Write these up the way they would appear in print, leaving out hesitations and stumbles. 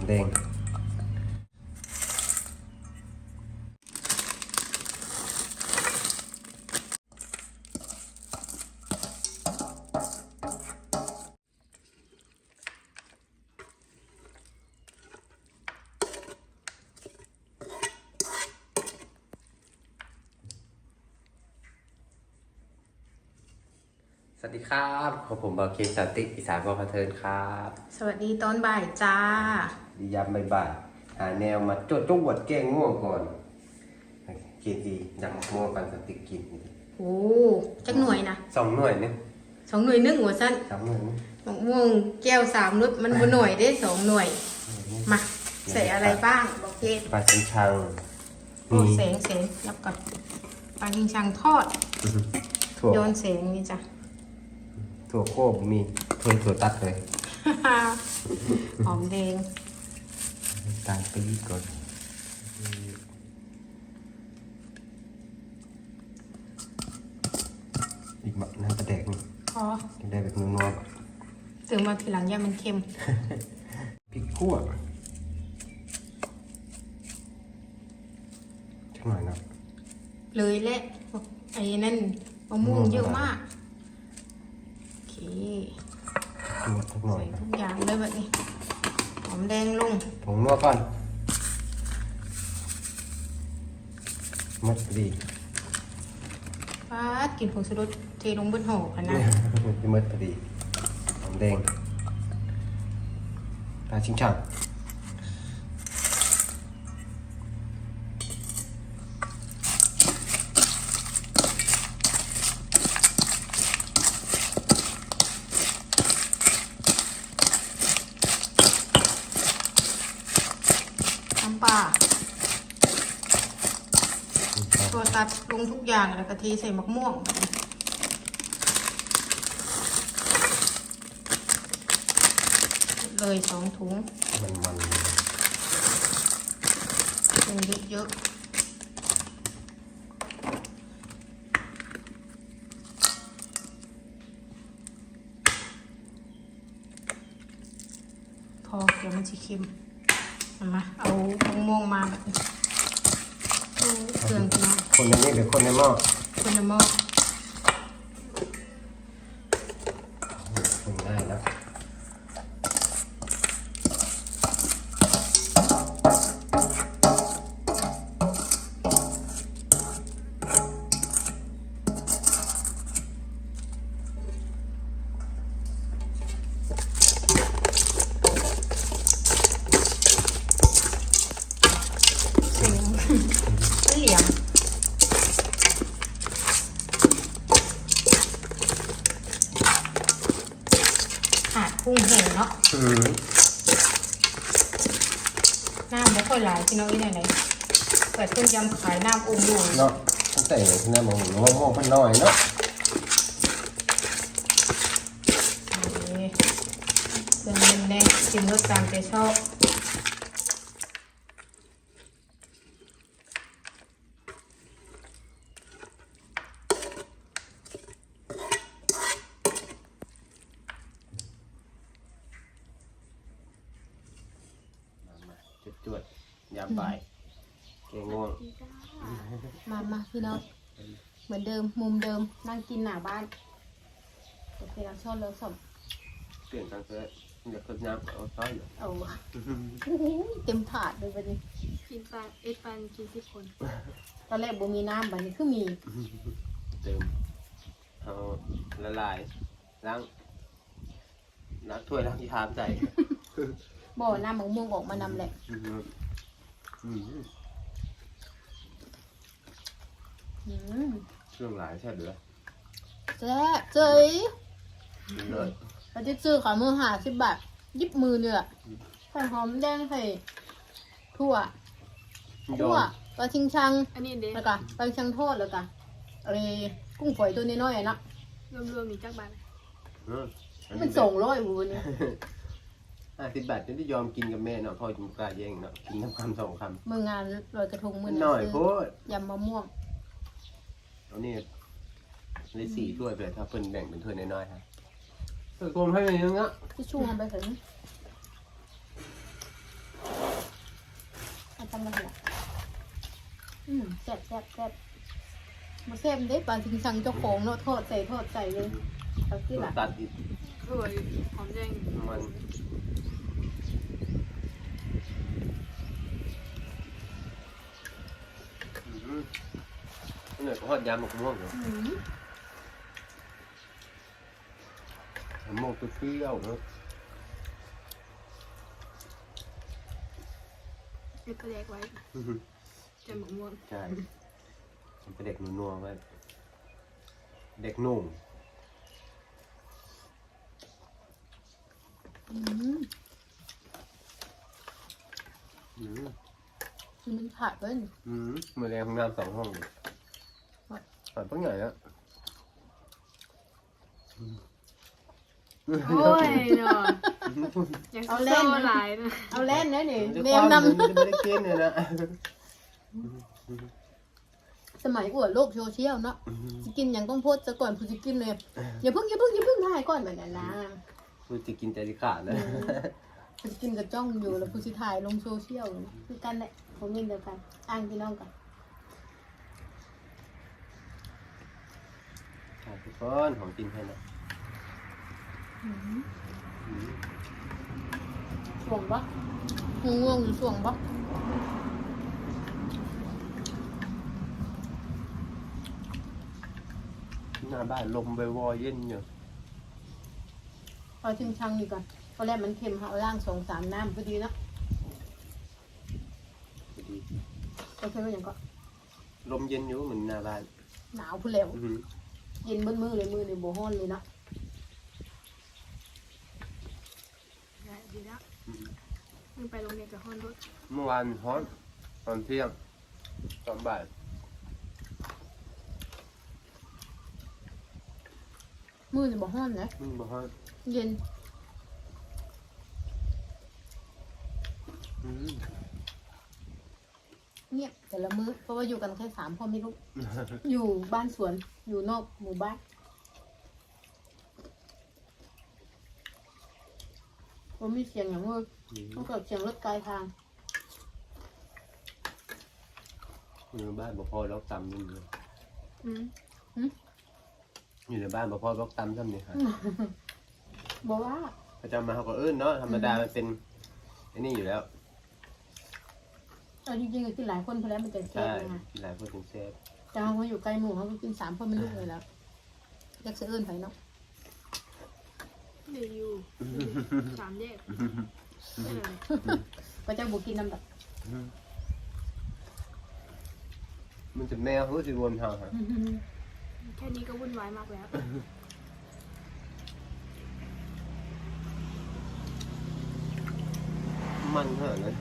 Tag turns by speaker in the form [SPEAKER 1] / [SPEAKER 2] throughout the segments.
[SPEAKER 1] แดงสวัสดีครับผมบาเคสันติอีสานพอเทินครับ
[SPEAKER 2] สวัสดีตอนบ่ายจ้า
[SPEAKER 1] ดียามบ่ายๆหาแนวมาจดวดแกงง่วงก่อนกินดียำมะม่วงปันสติกกิน
[SPEAKER 2] โอ้จักหน่วยนะ
[SPEAKER 1] 2 หน่วยนึง
[SPEAKER 2] 2 หน่วย1หัวสั้น
[SPEAKER 1] 3 หน่วยนึง
[SPEAKER 2] มะม่วงแก้ว3รสมันบ่หน่วยได้2 หน่วย มาใส่อะไรบ้างบอกเก
[SPEAKER 1] ปลาชิงชัง
[SPEAKER 2] โอ้แสงยับก่อนปลาชิงชังทอด
[SPEAKER 1] ถั่ว
[SPEAKER 2] โยนแสงนี่จ้ะ
[SPEAKER 1] ถั่วโคบมีถั่วตัดเลย
[SPEAKER 2] หอมแดง
[SPEAKER 1] ตาลปี๊บก่อนอีกน้ำกระแดกนี่
[SPEAKER 2] พอ
[SPEAKER 1] จะได้แบบนัวๆก่อน
[SPEAKER 2] ถึงมาทีหลังอย่ามันเค็ม
[SPEAKER 1] พริกขั่วชักหน่อยนะ
[SPEAKER 2] เลยแหละไอ้นั่นมะม่วงเยอะมากโอเค
[SPEAKER 1] นวดสักหน่อย
[SPEAKER 2] ใส่
[SPEAKER 1] นะ
[SPEAKER 2] ทุกอย่างเลยแบบนี้หอมแดงลง
[SPEAKER 1] ผงนัวก่อนมัดดี
[SPEAKER 2] ปาดกินผงชูรสเทลงบนห่อกันนะ
[SPEAKER 1] ที่มัดพอดีหอมแดงปลาชิงช่าง
[SPEAKER 2] น้ำปลาตัวตัดลงทุกอย่างแล้วก็เทใส่มะม่วงเลย2 ถุง
[SPEAKER 1] มัน
[SPEAKER 2] เป็นเยอะพอเดี๋ยวมันจะเค็มเอามะม่วงมาแบบนี้เครื่องพี่น้อง
[SPEAKER 1] คนในนี้หรือคนในหม้อ
[SPEAKER 2] คนละหม้อ
[SPEAKER 1] คนง่ายแล้ว
[SPEAKER 2] เสียงเหลี่ยมขาดกุ้งแห้งเนาะน้ำไม่ค่อยหลายพี่น้องอีไหนเปิดต้มยำขายน้ำองค์ดู
[SPEAKER 1] เนาะตั้งแต่ที่นั่นมองมองพันน้อยเนาะ
[SPEAKER 2] นี่เครื่องแน่นๆชิมรสตามใจชอบ
[SPEAKER 1] จวดยามบ่ายแกงง่วง
[SPEAKER 2] มาพี่น้องเหมือนเดิมมุมเดิมนั่งกินหน้าบ้านโอเคเราชอบเราสม
[SPEAKER 1] เปลี่ยนทางเสื้ออยากขึ้นน้ำเอาซ้อยอยู่
[SPEAKER 2] เอาเต็มถาดเลยวันนี้
[SPEAKER 3] กินปลาเอ็ดปันกิน10 คน
[SPEAKER 2] ตอนแรกบ่มีน้ำบัดนี้คือมี
[SPEAKER 1] เติมเอาละลายล้างน้ำถ้วยล้างที่ทามใส่
[SPEAKER 2] บ่น้ำมะม่วงออกมานำแหละ
[SPEAKER 1] เครื่องหลายใช่หรือ
[SPEAKER 2] แซ่บเจ๋ย
[SPEAKER 1] เลย
[SPEAKER 2] เราจะซื้อขามือ50 บาทยิบมือเนี่ยใส่หอมแดงใส่ถั่วปลาชิงชัง
[SPEAKER 3] อันนี้เด้
[SPEAKER 2] แล้วก็ปลาชิงชังทอดแล้วก็อะไรกุ้งฝอยตัวน้อยๆอะนะ
[SPEAKER 3] รวมๆนี่จักบาท
[SPEAKER 2] มัน200วันนี้
[SPEAKER 1] 50 บาทนี่ที่ยอมกินกับแม่เนาะพ่อจุ่มกล้าแย่งเนาะกินน้ำคำ2 คำ
[SPEAKER 2] มืองานลอยกระทงมือ
[SPEAKER 1] หน่อยโพด
[SPEAKER 2] ยำมะม่วง
[SPEAKER 1] เอานี่ได้4 ถ้วยเลยถ้าเพิ่นแบ่งเป็นถ้วยน้อยๆฮะกลมให้อย่างเงี้ย
[SPEAKER 2] ที่ชูทำไปถึงซ่บแซ่บแซ่บมาแซ่บได้ปลาชิงชังเจ้าของเนาะทอดใส่เลยเอาที่หลัง
[SPEAKER 1] ตัดอีก
[SPEAKER 3] สวยหอมแดง
[SPEAKER 1] มันเหนื่อยก็ทอดยำหมกม่วงเหรอ
[SPEAKER 2] อืม
[SPEAKER 1] หมกเปรี้ยวเนาะ
[SPEAKER 3] เอ็ดกระแดกไว้จะหมกม่วง
[SPEAKER 1] ใช่มันเป็นเด็กนัวๆไว้เด็กนุ่ม
[SPEAKER 2] อืม
[SPEAKER 1] อืม
[SPEAKER 2] คือมันขาดเพิ่น
[SPEAKER 1] มือแรงของน้ำ2 ห้องเลยผ่านต้องใหญ่แล้ว
[SPEAKER 3] โอ้ยเนาะอยากโซ่หลายนะ
[SPEAKER 2] เอาแล่นนะนี่
[SPEAKER 1] มันจะ
[SPEAKER 2] เน
[SPEAKER 1] ความ
[SPEAKER 2] น
[SPEAKER 1] มันจะไม่ได้กินเลยนะ
[SPEAKER 2] ำสมัยอวดโลกโซเชียลเนาะสิกินอย่างต้องโพสต์ซะก่อนผู้สิกินเลยอย่าเพิ่งถ่ายก่อนแบบนั้นนะ
[SPEAKER 1] กูจะกินใจที่ขาดนะ
[SPEAKER 2] ผู้สิกินกับจ้องอยู่แล้วผู้สิถ่ายลงโซเชียลคือกันแหละผมเงินเดียวกันอ้างพี่น้องกัน
[SPEAKER 1] ทุกคนของกินให้นะ
[SPEAKER 2] ส่วงปะง่วงอยู่ส่วงปะ
[SPEAKER 1] หน้าบ้านลมวอยๆเย็นอยู่
[SPEAKER 2] พอชิมชังดีก่อนตอนแรกมันเค็มเอาล่าง2-3 น้ำพอดีเนาะ
[SPEAKER 1] พอดี
[SPEAKER 2] ก็ใช่ว่าอย่างก็
[SPEAKER 1] ลมเย็นอยู่เหมือนหน้าบ้าน
[SPEAKER 2] หนาวพูดแล้ว
[SPEAKER 1] อื้อหือ
[SPEAKER 2] เย็นเบิ้มือเลยมือเลยโบฮ้อนเลยเนาะ
[SPEAKER 3] ได้ดีแล้วมึงไปโรงเรียนกับฮอนรถ
[SPEAKER 1] เมื่อวานฮ้อนตอนเที่ยงตอนบ่าย
[SPEAKER 2] มือเลยโบฮ้อนนะ
[SPEAKER 1] บ่ฮ้อน
[SPEAKER 2] เย็น
[SPEAKER 1] อื้อ
[SPEAKER 2] เงียบแต่ละมื้อเพราะว่าอยู่กันแค่3 พ่อไม่ลูกอยู่บ้านสวนอยู่นอกหมู่บ้านผมมีเสียงอย่างมือต้องเกิดเสียงรถไกลทาง
[SPEAKER 1] อยู่ในบ้านบ่พอล็อกตำนี่เลย
[SPEAKER 3] อืม
[SPEAKER 1] อยู่ในบ้านบ่พอล็อกตำซ้ำนี่ค่ะ
[SPEAKER 2] บอกว่า
[SPEAKER 1] พระเจ้ามาเขาก็เอิ้นเนาะธรรมดามันเป็นไอ้นี่อยู่แล้ว
[SPEAKER 2] เอาจริงๆกินหลายคนพอแล้วมันจะแซ่
[SPEAKER 1] ใช่
[SPEAKER 2] บนะคะ
[SPEAKER 1] หลายคนถึงเซฟ
[SPEAKER 2] แต่เขาอยู่ใกล้หมู่เขาก็กิน3 พ่อไม่ลูกเลยแล้วอยากจะเอื้นไปเนาะ
[SPEAKER 3] เดี๋ยวอยู่3 แยกได้เลย
[SPEAKER 2] ก็จะบุกินน้ำแบบ
[SPEAKER 1] มันจะแมวเขาสิวนเฮาฮะ
[SPEAKER 3] แค่นี้ก็วุ่นวายมากแล้ว
[SPEAKER 1] มันเท่านั้น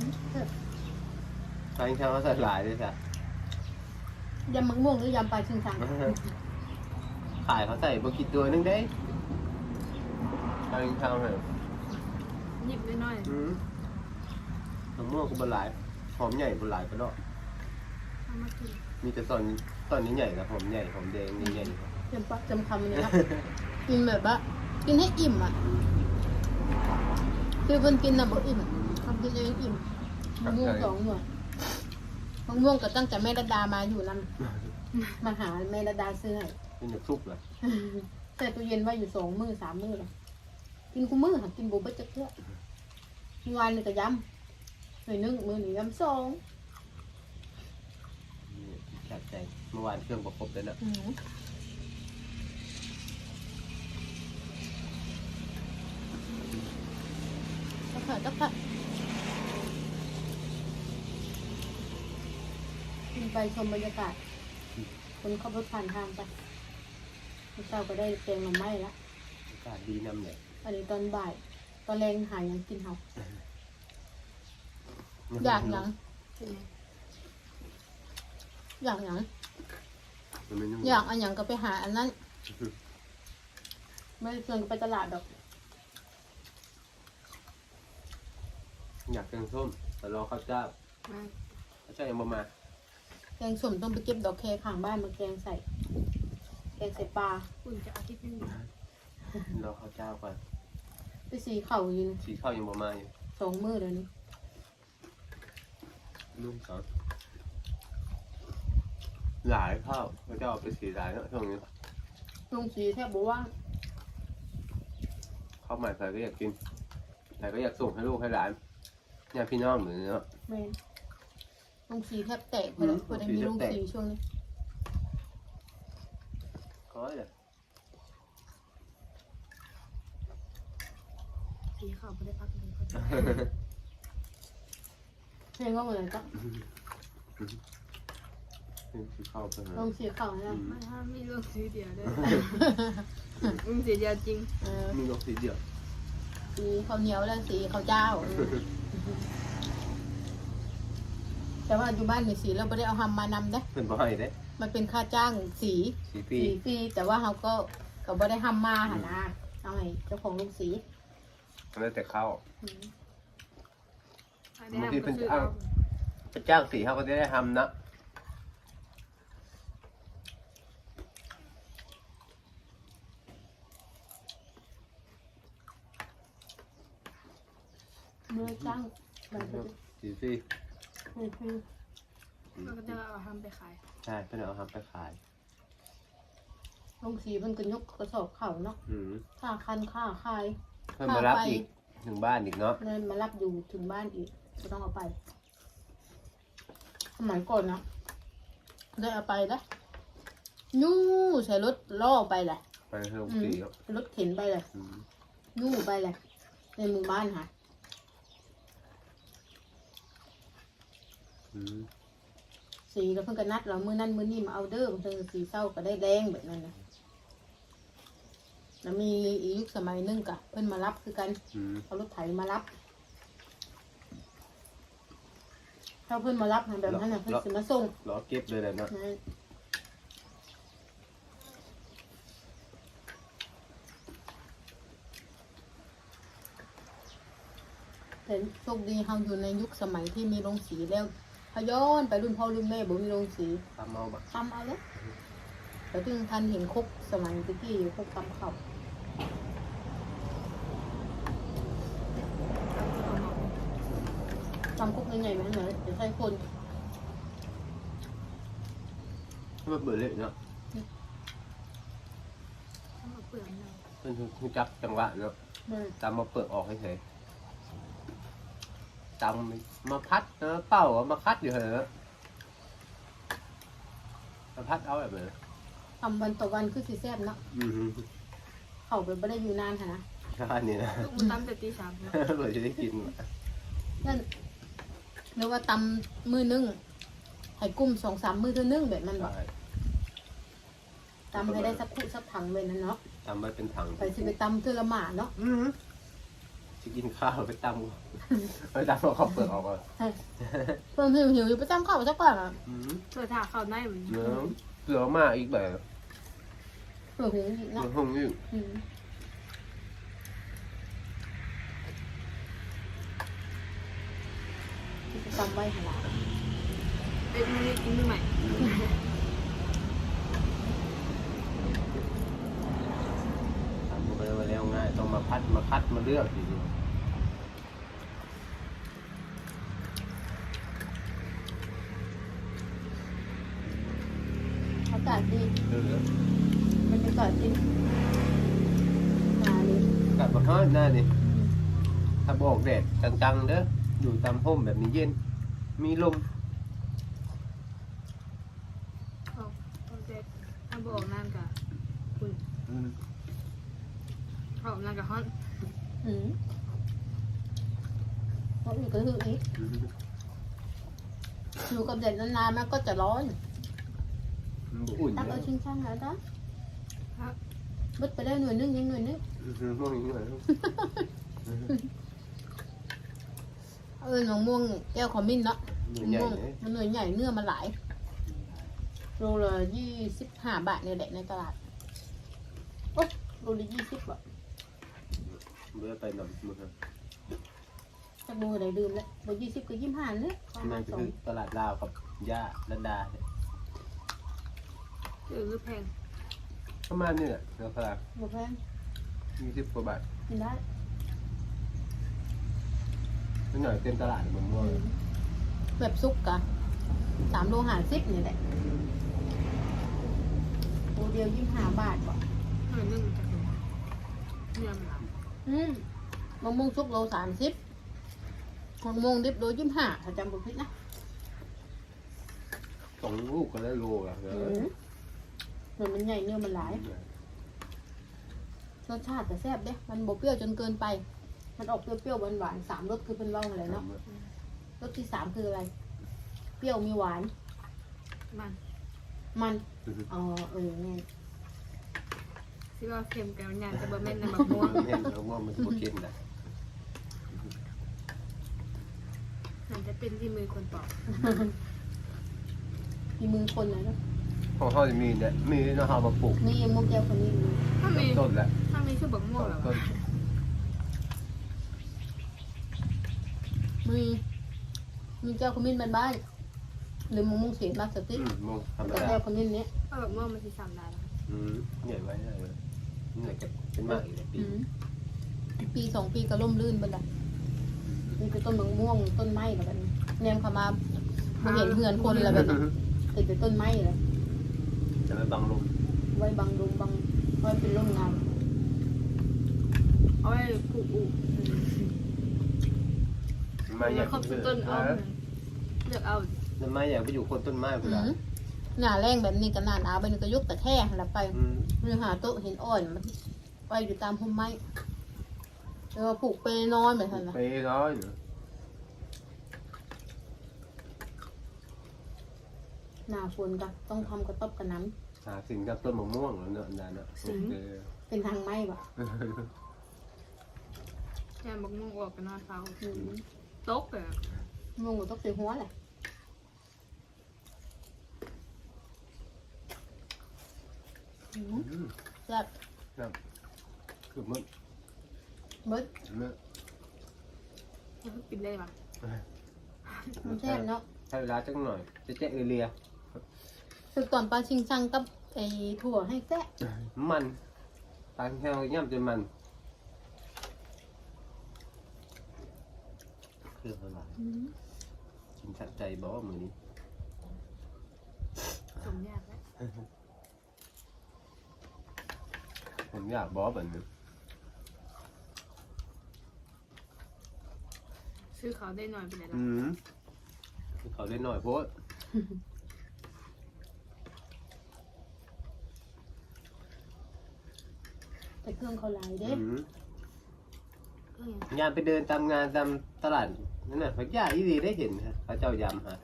[SPEAKER 1] ทางเช้าเขาใส่หลายด้วยจ้ะ
[SPEAKER 2] ยำมะม่วงหรือยำปลาชิงชัง
[SPEAKER 1] ขายเขาใส่บกิตัวนึงได้ทางเช้าเหรอ
[SPEAKER 3] หยิบน้อย
[SPEAKER 1] มะม่วงก็บหลายหอมใหญ่บหลายก็เนาะ
[SPEAKER 3] ๆเอามากิน
[SPEAKER 1] มีแต่ตอนนี้ใหญ่กับหอมใหญ่หอมแดงใหญ่
[SPEAKER 2] จำปะจำคำเนี่ยนะกินแบบว่ากินให้อิ่มอ่ะคือเพิ่นกินน่ะบ่อิ่มทำกินเองอิ่มมะม่วง2 หน่วยมะม่วงก็ตั้งแต่แม่ระดามาอยู่นั่นมาหาแม่ระดาซื้อให้
[SPEAKER 1] เป็นแบบซุปเลย
[SPEAKER 2] แต่ตู้เย็นไว้อยู่2 มื้อ 3 มื้อแล้วกินกูมื้อค่ะกินบ่เบิดจักเทื่อเมื่อวานนี่ก็ยำหน่อยนึงมื้อนี้ยำ2
[SPEAKER 1] จัดใจเมื่อวานเครื่องประกบเลยนะ
[SPEAKER 2] จักผัดไปชมบรรยากาศคนขับรถผ่านทางไปเช้าก็ได้แกงหน่อไม้ละ
[SPEAKER 1] อากาศดีนำเนี่ย
[SPEAKER 2] อันนี้ตอนบ่าย ตอนแรงหายังกินเฮาอยากหยัง
[SPEAKER 3] เป็นไง
[SPEAKER 2] อยากหยัง
[SPEAKER 1] มันไม่นุ่ม
[SPEAKER 2] อยากอันหยังก็ไปหาอันนั้น ไม่ได้ชวนไปตลาดดอก
[SPEAKER 1] อยากแกงส้มแต่รอข้าวเจ้า
[SPEAKER 3] มา
[SPEAKER 1] ข้าวเจ้ายังบ่มา
[SPEAKER 2] แกงส้มต้องไปเก็บดอกแคข้างบ้านมาแกงใส่ปลา
[SPEAKER 3] อุ่นจะอาทิตย์นึง
[SPEAKER 1] รอข้าวเจ้าก่อน
[SPEAKER 2] ไปสีเข่าอยู่
[SPEAKER 1] สีข้าวยังบ่มาอยู่
[SPEAKER 2] 2 มื้อเลยนี่
[SPEAKER 1] นุ่มสองหลายข้าวเขาจะเอาไปสีหลายเนาะช่วงนี้
[SPEAKER 2] ลงสีแทบบอกว่า
[SPEAKER 1] ข้าวใหม่ใครก็อยากกินใครก็อยากส่งให้ลูกให้หลานญาติพี่น้องเหมือนเนาะ
[SPEAKER 2] แมนลงสีแทบแตกไปแล้วพอได้มีลงสีช่วงนี้
[SPEAKER 1] ก็เลย
[SPEAKER 3] สีขาวไม่ได้พักเลยเขาจะ
[SPEAKER 2] เพลงก็เหมือนกัน
[SPEAKER 1] เข้าไปหา
[SPEAKER 2] ลงสีขาวนะ
[SPEAKER 3] ไม่ถ้ามีเรื่องสีเดียวเลยมึงสีเดียวจริง
[SPEAKER 1] มีลูกสีเดียว
[SPEAKER 2] สีข้าวเหนียวและสีข้าวเจ้าแต่ว่าอยู่บ้านมีสีเราไม่ได้เอาทำมานำนะ
[SPEAKER 1] เป็นบ่อยเด้
[SPEAKER 2] มันเป็นค่าจ้างสี
[SPEAKER 1] สีปี
[SPEAKER 2] ฟรีแต่ว่าเขาก็ไม่ได้ทำมาหานะเอาให้เจ้าของลงสี
[SPEAKER 1] แล้วแต่เข้า
[SPEAKER 3] อันนี้ก็ซื้อเอา
[SPEAKER 1] พระเจ้าสีเขาก็จะได้ทำนะ
[SPEAKER 2] เมื่อจ้างแบบนี้
[SPEAKER 1] สีปี
[SPEAKER 3] มันก็จะเอาทำไปขาย
[SPEAKER 1] ใช่เพื่อนเอาทำไปขาย
[SPEAKER 2] ลงสีมันก็ยกกระสอบเข่าเนาะ
[SPEAKER 1] อืม
[SPEAKER 2] ค่าคันค่าคาย
[SPEAKER 1] เพื่อนมารับอีกถึงบ้านอีกเนาะ
[SPEAKER 2] เงินมารับอยู่ถึงบ้านอีกก็ต้องเอาไปสมัยก่อนนะได้เอาไปแล้วนู่ใส่รถล่อไปแหละ
[SPEAKER 1] ไปให้ลูกสีเนาะ
[SPEAKER 2] รถเข็นไปเลย
[SPEAKER 1] อืม
[SPEAKER 2] นู่ไปเลยในหมู่บ้านค่ะ
[SPEAKER 1] อืม
[SPEAKER 2] สีแล้วเพิ่งก็นัดเรามื้อนั้นมื้อนี้มาเอาเด้อเพิ่งสีเศร้าก็ได้แดงแบบนั้นนะแล้วมีอีกยุคสมัยหนึงกะเพิ่นมารับคือกัน
[SPEAKER 1] อืม
[SPEAKER 2] เอารถไถมารับถ้าเพิ่นมารับแบบนั้นนะเพิ่นสิมาส่ง
[SPEAKER 1] รอเก็บเลยแหละเนาะ
[SPEAKER 2] นะแต่โชคดีเราอยู่ในยุคสมัยที่มีโรงสีแล้วพย้อนไปรุ่นพ่อรุ่นแม่บ่มีโรงสี
[SPEAKER 1] ทำเอาบะ
[SPEAKER 2] ทำเอาแล้วแต่ถึงทันเห็นคกสมัยตะกี้คกตำข้าวตำคกยังไงไหมเหรอจะใช้คน
[SPEAKER 1] ให้มันเบื่อเลยเนาะ
[SPEAKER 3] ทำมาเปลือกเนาะ
[SPEAKER 1] เพื่อนคือจับจังหวะเนาะ
[SPEAKER 2] มัน
[SPEAKER 1] ตามมาเปลือกออกเฉยๆตามมาพัดนะเป่าเอามาคัดอยู่เหรอมาพัดเอาแบบไหน
[SPEAKER 2] ทำวันต่อวันคือสีแซ่บเนาะ
[SPEAKER 1] อืม
[SPEAKER 2] เขาไปไม่ได้อยู่นานค่ะนะ
[SPEAKER 1] ใช่นี่นะ
[SPEAKER 3] ลูกมันตั้มแต่ตี 3เนาะ
[SPEAKER 1] เผื่อจะได้กิน
[SPEAKER 2] นั่นหรือว่าตำมือนึงให้กุ้ม2-3 มือเท่านึงแบบนั้นหรอ
[SPEAKER 1] ใช่
[SPEAKER 2] ตำให้ได้สักคู่สักถังแบบนั้นเนาะ
[SPEAKER 1] ตำไว้เป็นถัง
[SPEAKER 2] ไปสิไปตำเทือละหมาเนาะ
[SPEAKER 1] จะกินข้าวไปตำไปตำเอาข้าวเปลือกออกก่อน
[SPEAKER 2] เพิ่มหิวอยู่ไปตำข้าวสักก่อนอ่ะ
[SPEAKER 1] อืม
[SPEAKER 3] เปิดถาเข้าในเหมือน
[SPEAKER 1] เนื้อเปลือกมากอีกแบบ
[SPEAKER 2] เพิ่มหิวอีก
[SPEAKER 1] เนื้
[SPEAKER 2] เนาะ
[SPEAKER 1] อห้องนี่
[SPEAKER 2] อืมตำไว้ขนาด
[SPEAKER 3] เป็นไม่ได้กินมือใหม่
[SPEAKER 1] ทำไปแล้วง่ายต้องมาพัดมาคัดมาเลือกทีเดียว
[SPEAKER 2] อากาศดี
[SPEAKER 1] เลือก
[SPEAKER 2] บรรยากาศดีมาเลย
[SPEAKER 1] กัดมาห้าหน้านี่ถ้าบอกแดดจังๆเด้ออยู่ตามห่มแบบนี้เย็น มีลม
[SPEAKER 3] โอเคถ้าบอกนั่นกับคุณออกนั่นกับฮอน
[SPEAKER 2] อืมเพราะอีกก็คืออีกอยู่กับแดดนานๆมันก็จะร้อน
[SPEAKER 1] อุ่น
[SPEAKER 2] ตัก
[SPEAKER 1] เย
[SPEAKER 2] เอา
[SPEAKER 1] อะ
[SPEAKER 2] ชิงช่างแล้วจ้ะ
[SPEAKER 3] ครับ
[SPEAKER 2] บึดไปได้หน่วยนึงยังหน่วยนึง
[SPEAKER 1] มองอย่างนี้เลย
[SPEAKER 2] หนองม่วงแก้วขมิ้นเนาะ
[SPEAKER 1] ใหญ่
[SPEAKER 2] ม่วง
[SPEAKER 1] เลย
[SPEAKER 2] มันหน่วยใหญ่เนื้อมันหลายโลละ25 บาทเนี่ยแหละในตลาดโอ้โลละ20 บาท
[SPEAKER 1] เมื่อไปนำมือ
[SPEAKER 2] จะดูอะไรลืมแล้วโล20กับ25เนี่ยประมา
[SPEAKER 1] นั่
[SPEAKER 2] ณ
[SPEAKER 1] นคือตลาดลาวกับย่าลันดาเนี่ย
[SPEAKER 3] หรือแพง
[SPEAKER 1] ประมาณนี้แหละราคา
[SPEAKER 2] 2บ่แพง
[SPEAKER 1] 20 กว่าบาท
[SPEAKER 2] กินได้
[SPEAKER 1] นิดหน่อยเต็มตลาดมะม่วง
[SPEAKER 2] แบบซุกกะ3 โล50นี่แหละเดียว25 บาทบ่
[SPEAKER 3] หน่อยนึงจะถึงเนื้อมันหลับ
[SPEAKER 2] มะม่วงสุกโล30มะม่วงดิบโล25ถ้าจำบ่ผิดนะ
[SPEAKER 1] 2 ลูกก็ได้โลละเออ
[SPEAKER 2] เหมือนมันใหญ่เนื้อมันหลายรสชาติแต่แซ่บเด้มันบ่เปรี้ยวจนเกินไป มันออกเปรี้ยวๆหวานๆ3รสคือเป็นว่าวอะไรเนาะรสที่3คืออะไร เปรี้ยวมีหวาน
[SPEAKER 3] มัน
[SPEAKER 2] มันอ๋อแน่น
[SPEAKER 3] ที่ว่าเค็มกับงานจะบะเม็นในมะม่วง
[SPEAKER 1] เห็นแล้วว่ามันบ่เค็มนะ
[SPEAKER 3] มันจะเป็นที่มือคนปอก
[SPEAKER 2] มีมือคนเลยเนาะ
[SPEAKER 1] ของเขาจะมีเนี่ยมีเนาะเฮามาปลูก
[SPEAKER 2] นี่มุกแก้วคนนี้มี
[SPEAKER 3] ถ้ามี
[SPEAKER 1] ต้นละ
[SPEAKER 3] ถ้ามีชื่อบะม่วงเหรอ
[SPEAKER 1] ต้น
[SPEAKER 2] มีแก้วขมิ้นบ้านๆหรือมะม่วงเสียมากสติ
[SPEAKER 1] มงธรรม
[SPEAKER 2] แต่
[SPEAKER 1] ดา
[SPEAKER 2] แก้วขมิ้นเนี้ย
[SPEAKER 3] ถ้าบะม่วงมันจะสั่งได้แล้ว
[SPEAKER 1] ใหญ่ไว้ได้เลยนี่จะเป็นมากอีกปี
[SPEAKER 2] ปี2 ปีก็ล่มลื่นไปละมีแต่ต้นมะม่วงต้นไม้แล้วกันแนมเข้ามาบ่เห็นเหือนคนแล้วแบบนี้ติดแต่ต้นไม้เลย
[SPEAKER 1] จะไม่บังลม
[SPEAKER 2] ไว้บังลมบังไว้เป็นร่มเงา
[SPEAKER 3] เอาไว้ปลูกอู่
[SPEAKER 1] มาอยาก
[SPEAKER 3] ครบต้นเอาเลือกเอา
[SPEAKER 1] มาอยากไปอยู่คนต้นไม้เวลา
[SPEAKER 2] หน้าแรงแบบนี้ก็หน้าหนาวไปนี่ก็ยกแต่แค่แล้วไปเรือหาโต๊ะเห็นอ่อนมันไปอยู่ตามพุ่มไม้แล้วก็ปลูกไปนอนแบบนั้นนะ
[SPEAKER 1] ไปร้อยเนาะ
[SPEAKER 2] หน้าฝนก็ต้องทำกระต๊อบกระน้
[SPEAKER 1] หาสิ่งกับต้นมะม่วงแล้วเนาะอันนั้นเนาะ
[SPEAKER 2] ำเป็นทางไม้ปะ
[SPEAKER 3] แค่บะม่วงออกกันนอนเฝ้าตกเลย
[SPEAKER 2] มงก็ต้องเสียหัวแหละแซ่บ
[SPEAKER 1] คือมัน
[SPEAKER 2] เบิด
[SPEAKER 1] เนาะ
[SPEAKER 3] กินได้ปะ
[SPEAKER 2] มันแซ่บเนาะ
[SPEAKER 1] ใช้เวลาจังหน่อยจะแจ๊ะเรีย
[SPEAKER 2] คือก่อนปลาชิงชังกับไอ้ถั่วให้แซ่บ
[SPEAKER 1] มันตาแค่ย่ำจนมันเครื่องอะไรกินสัดใจบ่มือนี้
[SPEAKER 3] สมยากแล้ว
[SPEAKER 1] ผมอยากบ่แบบนี้
[SPEAKER 3] ซื้อเขาได้หน่อยไปเลยละ
[SPEAKER 1] เขาได้หน่อยโพส
[SPEAKER 2] แต่เครื่องเขาหลายเด้
[SPEAKER 1] งานไปเดินตามงานตามตลาดนั่นน่ะพักยาอีดีได้เห็นฮะพระเจ้ายำฮะ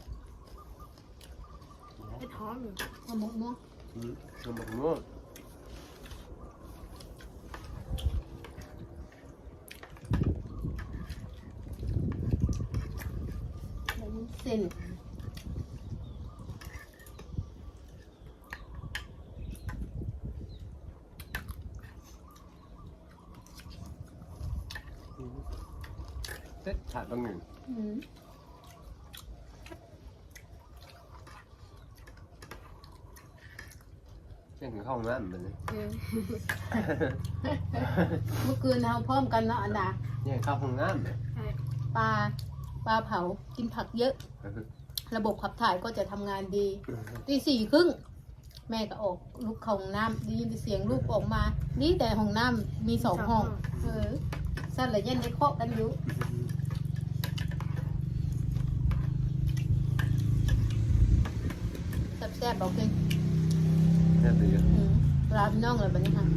[SPEAKER 3] เห็ดหอมอยู่
[SPEAKER 2] เอาหมกม่วง
[SPEAKER 1] ขนมม่วง
[SPEAKER 2] แล้วเส้น
[SPEAKER 1] เซ็ตขาดบางหนึ่ง
[SPEAKER 2] อืม
[SPEAKER 1] เช่นถึงห้องน้ำมันเลย
[SPEAKER 2] เมื่อคืนเราพร้อมกันเนาะอันดา
[SPEAKER 1] เนี่ยเข้าห้องน้ำเลย
[SPEAKER 3] ใช่
[SPEAKER 2] ปลาเผากินผักเยอะ ระบบขับถ่ายก็จะทำงานดีตี 4:30แม่ก็ออกลูกเข้าห้องน้ำได้ยินเสียงลูกออกมานี่แต่ห้องน้ำมี2 ห้องสั้นเลยยันได้เคาะกันอยู่แซ่บๆบอกเลย
[SPEAKER 1] แค่ตี
[SPEAKER 2] ลาพี่น้องเลยแบบนี้ค่ะ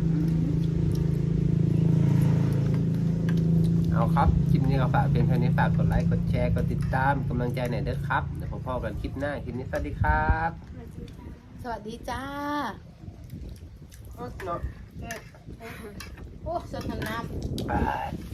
[SPEAKER 1] เอาครับ คลิปนี้ก็ฝากเพียงเท่านี้ฝากกดไลค์ กดแชร์ กดติดตามกำลังใจหน่อยเด้อครับ เดี๋ยวพบกันคลิปหน้า คลิปนี้สวัสดีครับ
[SPEAKER 2] สวัสดีจ้า
[SPEAKER 1] เนาะ
[SPEAKER 2] โอ้เสื้อกันน้ำ
[SPEAKER 1] บาย